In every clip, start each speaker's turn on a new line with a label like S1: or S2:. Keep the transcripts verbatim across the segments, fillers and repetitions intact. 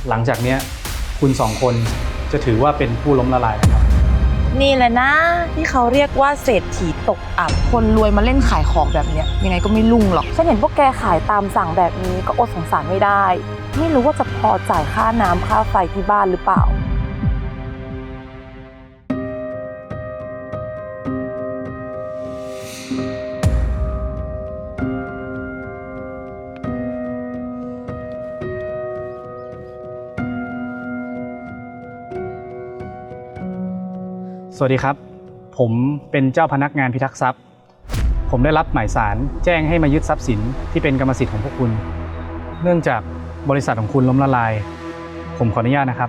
S1: หลังจากเนี้ยคุณสองคนจะถือว่าเป็นผู้ล้มละลายนะครับ
S2: นี่แหละนะที่เขาเรียกว่าเศรษฐีตกอับคนรวยมาเล่นขายของแบบเนี้ยยังไงก็ไม่รุ่งหรอกฉันเห็นพวกแกขายตามสั่งแบบนี้ก็อดสงสารไม่ได้ไม่รู้ว่าจะพอจ่ายค่าน้ำค่าไฟที่บ้านหรือเปล่า
S1: สวัสดีครับผมเป็นเจ้าพนักงานพิทักษ์ทรัพย์ผมได้รับหมายสารแจ้งให้มายึดทรัพย์สินที่เป็นกรรมสิทธิ์ของพวกคุณเนื่องจากบริษัทของคุณล้มละลายผมขออนุญาตนะครับ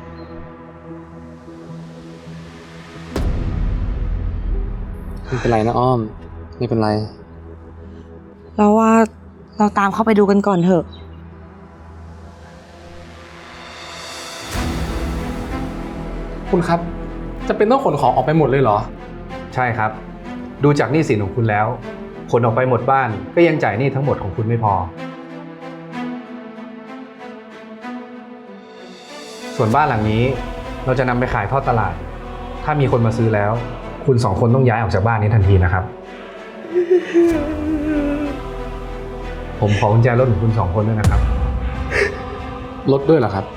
S3: ไม่เป็นไรนะอ้อมไม่เป็นไร
S2: เราว่าเราตามเข้าไปดูกันก่อนเถอะ
S3: คุณครับจะเป็นต้องขนของออกไปหมดเลยเหรอ
S1: ใช่ครับดูจากหนี้สินของคุณแล้วขนออกไปหมดบ้านก็ยังจ่ายหนี้ทั้งหมดของคุณไม่พอส่วนบ้านหลังนี้เราจะนำไปขายทอดตลาดถ้ามีคนมาซื้อแล้วคุณสองคนต้องย้ายออกจากบ้านนี้ทันทีนะครับผมขอกุญแจรถของคุณสองคนด้วยนะครับ
S3: รถด้วยเหรอครับ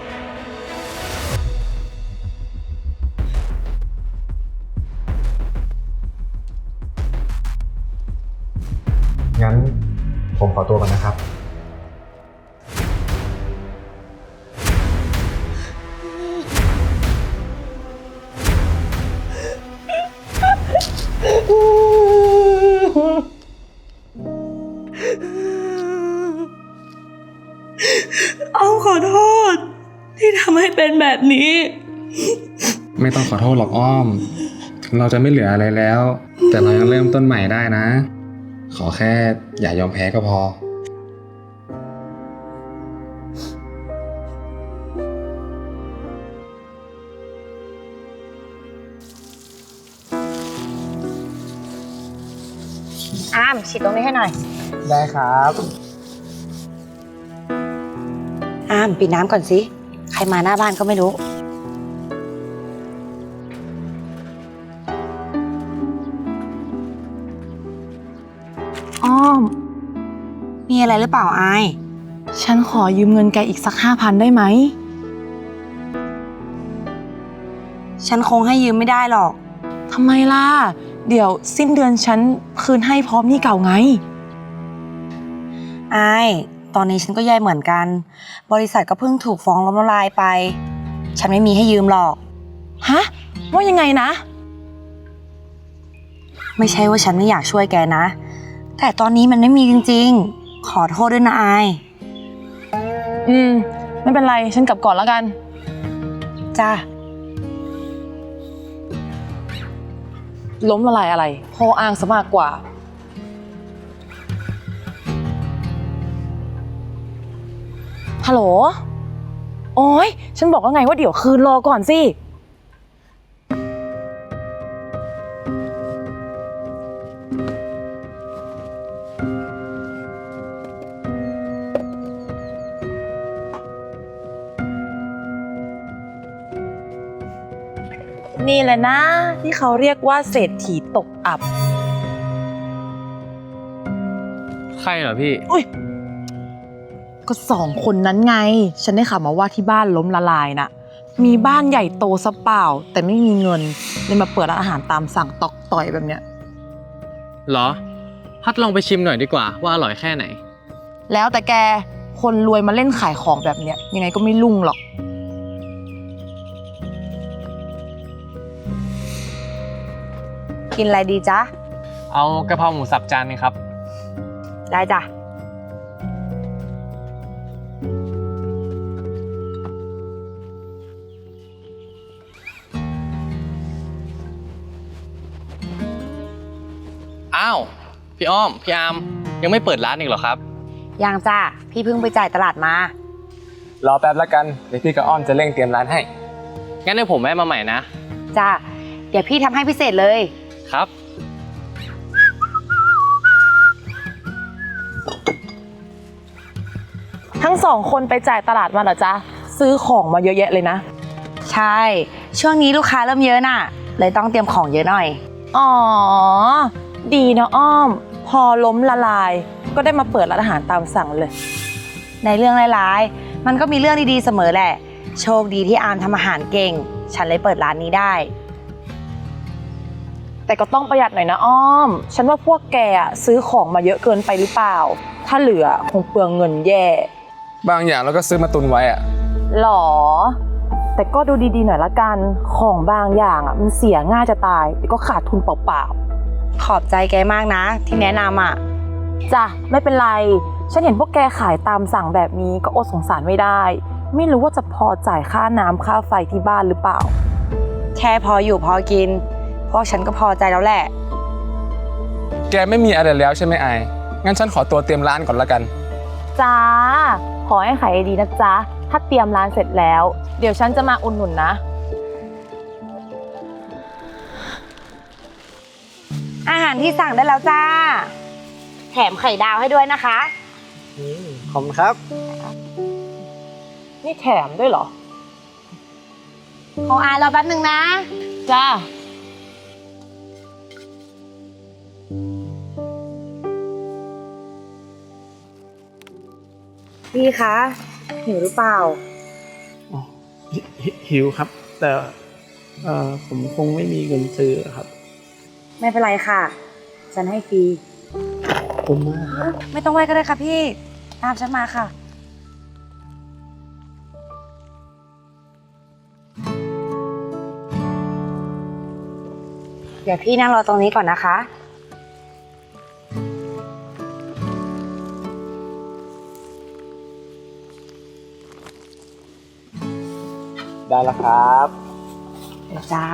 S1: งั้นผมขอตัวก่อนนะครับ
S2: เอาขอโทษที่ทำให้เป็นแบบนี้
S3: ไม่ต้องขอโทษหรอกอ้อมถึงเราจะไม่เหลืออะไรแล้วแต่เรายังเริ่มต้นใหม่ได้นะขอแค่อย่ายอมแพ้ก็พอ
S2: อ้ามฉีดตรงนี้ให้หน่อย
S3: ได้ครับ
S2: อ้ามปิดน้ำก่อนสิใครมาหน้าบ้านก็ไม่รู้อ้อมมีอะไรหรือเปล่าอายฉันขอยืมเงินแกอีกสักห้าพันได้ไหมฉันคงให้ยืมไม่ได้หรอกทำไมล่ะเดี๋ยวสิ้นเดือนฉันคืนให้พร้อมหนี้เก่าไงอายตอนนี้ฉันก็แย่เหมือนกันบริษัทก็เพิ่งถูกฟ้องล้มละลายไปฉันไม่มีให้ยืมหรอกฮะว่ายังไงนะไม่ใช่ว่าฉันไม่อยากช่วยแกนะแต่ตอนนี้มันไม่มีจริงๆขอโทษด้วยนะอายอืมไม่เป็นไรฉันกลับก่อนแล้วกันจ้าล้มละลายอะไรพ่ออ้างซะมากกว่าฮัลโหลโอ๊ยฉันบอกว่าไงว่าเดี๋ยวคืนรอก่อนสินี่แหละนะที่เขาเรียกว่าเศรษฐีตกอับ
S3: ใครเหรอพี่
S2: อุ้ยก็สองคนนั้นไงฉันได้ข่าวมาว่าที่บ้านล้มละลายน่ะมีบ้านใหญ่โตซะเปล่าแต่ไม่มีเงินเลยมาเปิดร้านอาหารตามสั่งตอกต่อยแบบเนี้ย
S4: เหรอพัดลองไปชิมหน่อยดีกว่าว่าอร่อยแค่ไหน
S2: แล้วแต่แกคนรวยมาเล่นขายของแบบเนี้ยยังไงก็ไม่รุ่งหรอกกินอะไรดีจ๊ะ
S4: เอากะเพราหมูสับจานนึงครับ
S2: ได้จ้ะ
S4: อ้าวพี่อ้อมพี่อาร์มยังไม่เปิดร้านอีกเหรอครับ
S2: ยังจ้ะพี่เพิ่งไปจ่ายตลาดมาร
S3: อแป๊บแล้วกันเดี๋ยวพี่กับอ้อมจะเร่งเตรียมร้านให้
S4: งั้นให้ผมแวะมาใหม่นะ
S2: จ้ะเดี๋ยวพี่ทำให้พิเศษเลย
S4: ครับ
S2: ทั้งสองคนไปจ่ายตลาดมาเหรอจ๊ะซื้อของมาเยอะแยะเลยนะ
S5: ใช่ ช่วงนี้ลูกค้าเริ่มเยอะน่ะ เลยต้องเตรียมของเยอะหน่อย
S2: อ๋อ ดีนะอ้อม พอล้มละลาย ก็ได้มาเปิดร้านอาหารตามสั่งเลย
S5: ในเรื่องร้ายๆมันก็มีเรื่องดีๆเสมอแหละ โชคดีที่อาร์มทำอาหารเก่ง ฉันเลยเปิดร้านนี้ได้
S2: แต่ก็ต้องประหยัดหน่อยนะอ้อม ฉันว่าพวกแกอะซื้อของมาเยอะเกินไปหรือเปล่า ถ้าเหลือคงเปลืองเงินแย่
S3: บางอย่างเราก็ซื้อมาตุนไว้อะ
S2: หรอ แต่ก็ดูดีๆหน่อยละกัน ของบางอย่างอ่ะมันเสียง่ายจะตายเดี๋ยวก็ขาดทุนเปล่า
S5: ขอบใจแกมากนะ ที่แนะนำอ่ะ
S2: ๆจ้ะไม่เป็นไร ฉันเห็นพวกแกขายตามสั่งแบบนี้ก็อดสงสารไม่ได้ ไม่รู้ว่าจะพอจ่ายค่าน้ำค่าไฟที่บ้านหรือเปล่า
S5: แค่พออยู่พอกิน พวกฉันก็พอใจแล้วแหละ
S3: แกไม่มีอะไรแล้วใช่ไหมไองั้นฉันขอตัวเตรียมร้านก่อนละกัน
S2: จ้า ขอให้ขายดีนะจ๊ะ ถ้าเตรียมร้านเสร็จแล้ว เดี๋ยวฉันจะมาอุดหนุนนะ
S5: อาหารที่สั่งได้แล้วจ้า แถมไข่ดาวให้ด้วยนะคะ
S1: ขอบคุณครับ
S2: นี่แถมด้วยเหรอ
S5: ของอายรอแป๊บหนึ่งนะ
S2: จ้า
S5: พี่คะ หิวหรือเปล่า
S6: อ๋อหิหิหิวครับ แต่เอ่อผมคงไม่มีเงินซื้อครับ
S5: ไม่เป็นไรค่ะ ฉันให้ฟรี
S6: ขอบคุณมากครับ
S5: ไม่ต้องไหวก็ได้ค่ะพี่ ตามฉันมาค่ะ เดี๋ยวพี่นั่งรอตรงนี้ก่อนนะคะ
S6: ได้แล้วครับ
S5: เดี๋ยวจ้า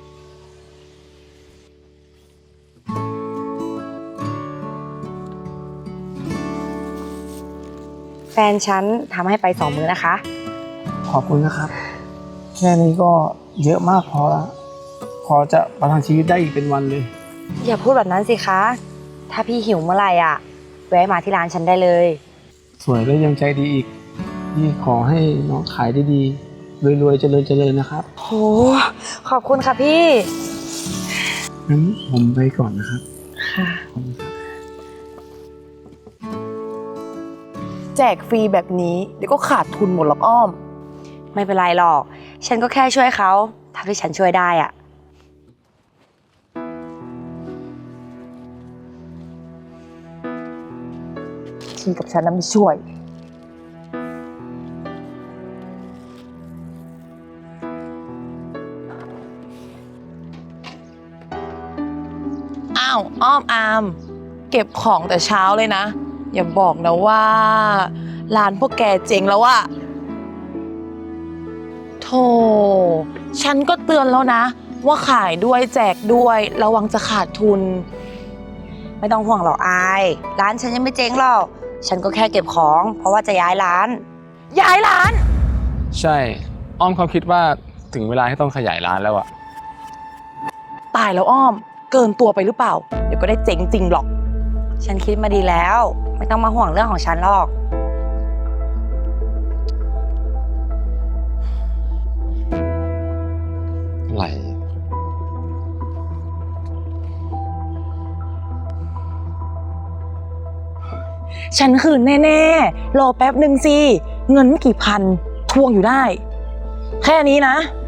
S5: แฟนฉันทำให้ไปสองมื้อนะคะ
S6: ขอบคุณนะครับ แค่นี้ก็เยอะมากพอละพอจะประทังชีวิตได้อีกเป็นวันเลย
S5: อย่าพูดแบบนั้นสิคะ ถ้าพี่หิวเมื่อไหร่อ่ะ แวะมาที่ร้านฉันได้เลย
S6: สวยและยังใจดีอีกนี่ขอให้น้องขายได้ดีรวยๆเจริญเจริญนะครับ
S5: โห ขอบคุณค่ะพี่
S6: งั้นผมไปก่อนนะครับ
S5: ค่ะ
S6: ขอบคุณครับ
S2: แจกฟรีแบบนี้เดี๋ยวก็ขาดทุนหมดหรอกอ้อม
S5: ไม่เป็นไรหรอก ฉันก็แค่ช่วยเขาเท่าที่ฉันช่วยได้อ่ะ
S2: ทีกับฉันนั้นไม่ช่วย อ้าว อ้อมอาม เก็บของแต่เช้าเลยนะ อย่าบอกนะว่า ร้านพวกแกเจ๊งแล้วอะโธ่ฉันก็เตือนแล้วนะ ว่าขายด้วยแจกด้วยระวังจะขาดทุน
S5: ไม่ต้องห่วงหรอกอาย ร้านฉันยังไม่เจ๊งหรอก ฉันก็แค่เก็บของ เพราะว่าจะย้ายร้าน
S2: ย้ายร้าน
S3: ใช่ อ้อมเขาคิดว่าถึงเวลาที่ต้องขยายร้านแล้วอะ
S2: ตายแล้วอ้อม เกินตัวไปหรือเปล่า เดี๋ยวก็ได้เจ๊งจริงหรอก
S5: ฉันคิดมาดีแล้ว ไม่ต้องมาห่วงเรื่องของฉันหรอก
S3: อะไร
S2: ฉันคืนแน่ๆ รอแป๊บหนึ่งสิ เงินไม่กี่พัน ทวงอยู่ได้ แค่นี้นะ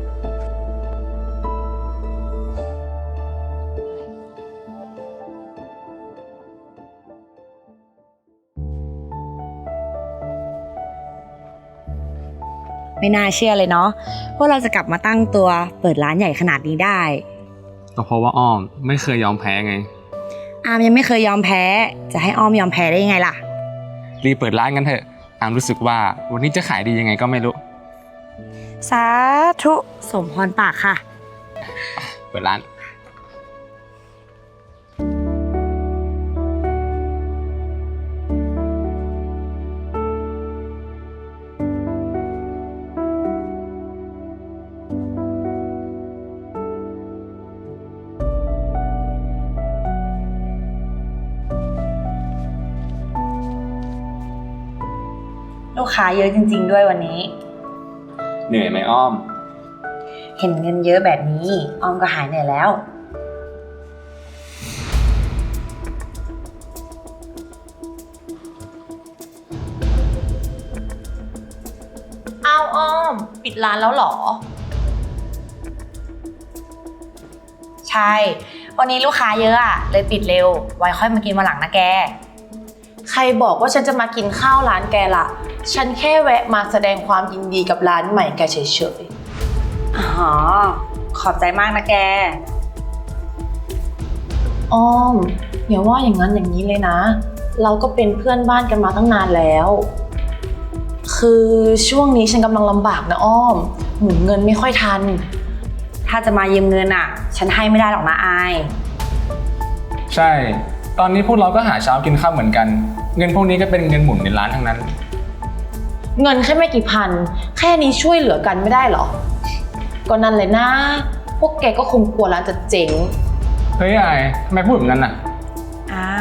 S5: ไม่น่าเชื่อเลยเนาะว่าเราจะกลับมาตั้งตัวเปิดร้านใหญ่ขนาดนี้ได้
S3: ก็เพราะว่าอ้อมไม่เคยยอมแพ้ไง
S5: อามยังไม่เคยยอมแพ้ จะให้อ้อมยอมแพ้ได้ยังไงล่ะ
S3: รีบเปิดร้านกันเถอะ อามรู้สึกว่าวันนี้จะขายดียังไงก็ไม่รู้
S5: สาธุสมพรปากค่ะ
S3: เปิดร้าน
S5: ลูกค้าเยอะจริงๆด้วยวันนี้
S3: เหนื่อยไหมอ้อม
S5: เห็นเงินเยอะแบบนี้ออมก็หายเหนื่อยแล้ว
S2: อ้าวอ้อม ปิดร้านแล้วเหรอ
S5: ใช่ วันนี้ลูกค้าเยอะอะเลยปิดเร็ว ไว้ค่อยมากินวันหลังนะแก
S2: ใครบอกว่าฉันจะมากินข้าวร้านแกล่ะ ฉันแค่แวะมาแสดงความยินดีกับร้านใหม่แกเฉย
S5: อ๋อ ขอบใจมากนะแก
S2: ๆ อ้อมอย่าว่าอย่างนั้นอย่างนี้เลยนะ เราก็เป็นเพื่อนบ้านกันมาตั้งนานแล้ว คือช่วงนี้ฉันกำลังลำบากนะอ้อม หมุนเงินไม่ค่อยทัน
S5: ถ้าจะมายืมเงินอะฉันให้ไม่ได้หรอกนะอาย
S3: ใช่ ตอนนี้พวกเราก็หาเช้ากินข้าวเหมือนกัน เงินพวกนี้ก็เป็นเงินหมุนในร้านทั้งนั้น
S2: เงินแค่ไม่กี่พัน แค่นี้ช่วยเหลือกันไม่ได้เหรอ ก็นั่นเลยนะ พวกแกก็คงกลัวร้านจะเจ๊ง
S3: เฮ้ยไอ้ทำไมพูดแบบนั้นน่ะ
S5: อาม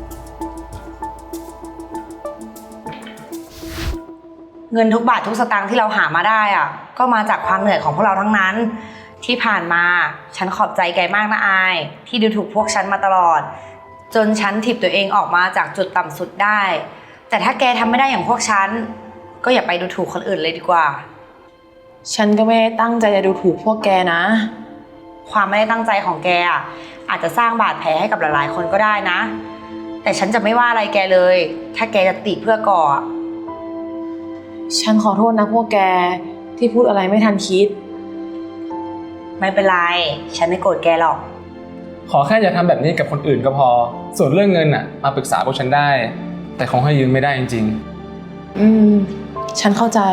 S5: เงินทุกบาททุกสตางค์ที่เราหามาได้อะก็มาจากความเหนื่อยของพวกเราทั้งนั้น ที่ผ่านมาฉันขอบใจแกมากนะอาย ที่ดูถูกพวกฉันมาตลอด จนฉันถีบตัวเองออกมาจากจุดต่ำสุดได้ แต่ถ้าแกทำไม่ได้อย่างพวกฉัน ก็อย่าไปดูถูกคนอื่นเลยดีกว่า
S2: ฉันก็ไม่ได้ตั้งใจจะดูถูกพวกแกนะ
S5: ความไม่ได้ตั้งใจของแกอะอาจจะสร้างบาดแผลให้กับหลายๆคนก็ได้นะ แต่ฉันจะไม่ว่าอะไรแกเลย ถ้าแกจะติเพื่อก่ออะ
S2: ฉันขอโทษนะพวกแกที่พูดอะไรไม่ทันคิด
S5: ไม่เป็นไร ฉันไม่โกรธแกหรอก
S3: ขอแค่อย่าทำแบบนี้กับคนอื่นก็พอ ส่วนเรื่องเงินน่ะมาปรึกษาพวกฉันได้ แต่คงให้ยืมไม่ได้จริง
S2: อืม ฉันเข้าใจ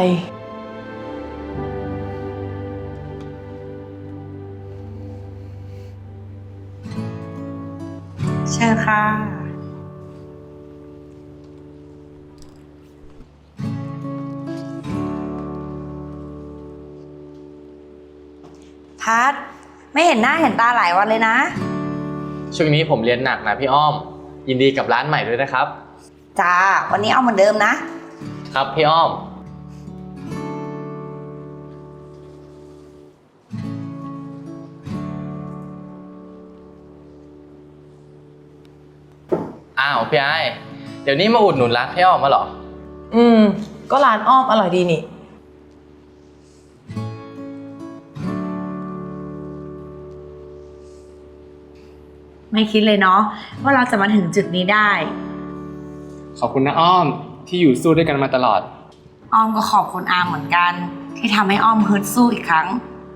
S5: เชิญค่ะ พัดไม่เห็นหน้าเห็นตาหลายวันเลยนะ
S4: ช่วงนี้ผมเรียนหนักนะพี่อ้อม ยินดีกับร้านใหม่ด้วยนะครับ
S5: จ้า วันนี้เอาเหมือนเดิมนะ
S4: ครับพี่อ้อม อ้าวพี่ไอเดี๋ยวนี้มาอุดหนุนร้านพี่อ้อมมาเหรอ
S2: อืม ก็ร้านอ้อมอร่อยดีนี่
S5: ไม่คิดเลยเนาะว่าเราจะมาถึงจุดนี้ได้
S3: ๆ ขอบคุณนะอ้อมที่อยู่สู้ด้วยกันมาตลอด
S5: อ้อมก็ขอบคุณอามเหมือนกัน ที่ทำให้อ้อมฮึดสู้อีกครั้ง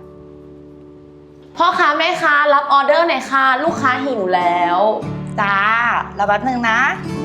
S2: พ่อค้าแม่ค้ารับออเดอร์หน่อยค่ะ ลูกค้าหิวแล้ว
S5: จ้า เราแป๊บนึงนะ
S2: ค